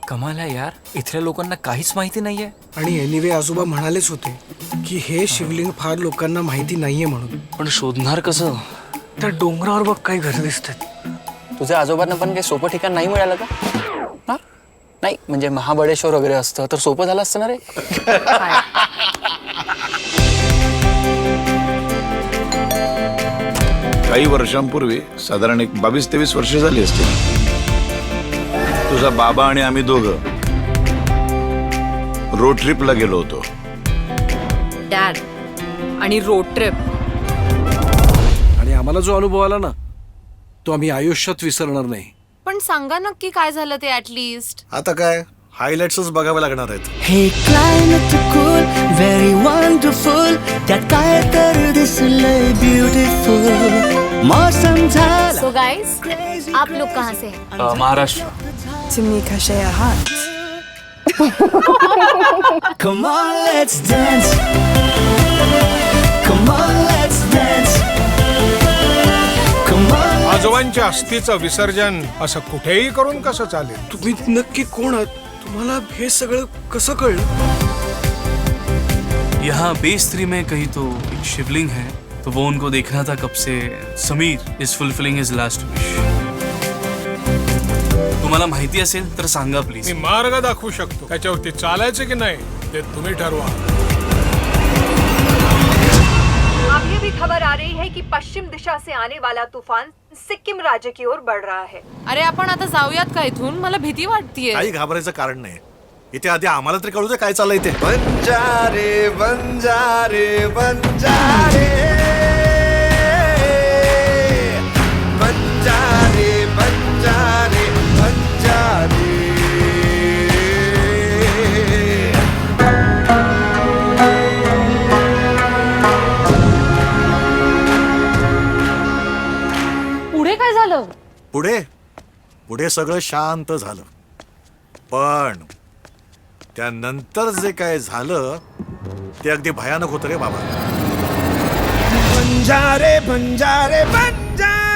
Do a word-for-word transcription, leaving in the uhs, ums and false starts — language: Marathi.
कमाल आहे यार, इथल्या लोकांना काहीच माहिती नाहीये. आणि एनिवे आजोबा म्हणालेच होते की हे शिवलिंग फार लोकांना माहिती नाहीये म्हणून. पण शोधणार कसं? त्या डोंगरावर बघ काही घर दिसतात. तुझ्या आजोबांना पण काही सोपं ठिकाण नाही मिळालं का? हा? नाही म्हणजे महाबळेश्वर वगैरे असतं तर सोपं झालं असतं ना रे. काही वर्षांपूर्वी साधारण एक बावीस तेवीस वर्ष झाली असतील. तुझा बाबा आणि आम्ही दोघं रोड ट्रिपला गेलो होतो. डॅड आणि रोड ट्रिप. आणि आम्हाला जो अनुभव आला ना तो आम्ही आयुष्यात विसरणार नाही. पण सांगा नक्की काय झालं ते ऍटलीस्ट. आता काय हायलाइट्सच बघावे लागणार आहेत. हे क्लायमेट कूल व्हेरी वंडरफुल त्यात काय तर दिसलंय ब्युटिफुल मौसम झाला. सो गाइस, आप लोग कहाँ से हैं? अ, Maharashtra. Come on let's dance. Come on let's dance. Come on. आजोबांच्या अस्थीचं विसर्जन असं कुठेही करून कसं चालेल? तुम्ही नक्की कोण आहात? तुम्हाला हे सगळं कसं कळलं? यहाँ बेस थ्री में कहीं तो एक शिवलिंग है, तो वो उनको देखना था कब से. Sameer is fulfilling his last wish. तुम्हाला माहिती असेल तर सांगा प्लीज. मी मार्ग दाखवू शकतो, त्याच्यावरती चालायचं की नाही ते तुम्ही ठरवा. अभी भी खबर आ रही है कि पश्चिम दिशा से आने वाला तूफान सिक्किम राज्य की ओर बढ़ रहा है. अरे आपण आता जाऊयात का इथून? मला भीती वाटतीये. काही घाबरायचं कारण नाही. इथे आधी आम्हाला तरी कळू दे काय चाललंय ते. बंजारे बंजारे बंजारे बंजारे बंजारे बंजारे. पुढे काय झालं? पुढे पुढे सगळं शांत झालं. पण त्यानंतर जे काय झालं ते अगदी भयानक होतं रे बाबा. बंजारे बंजारे बंजारे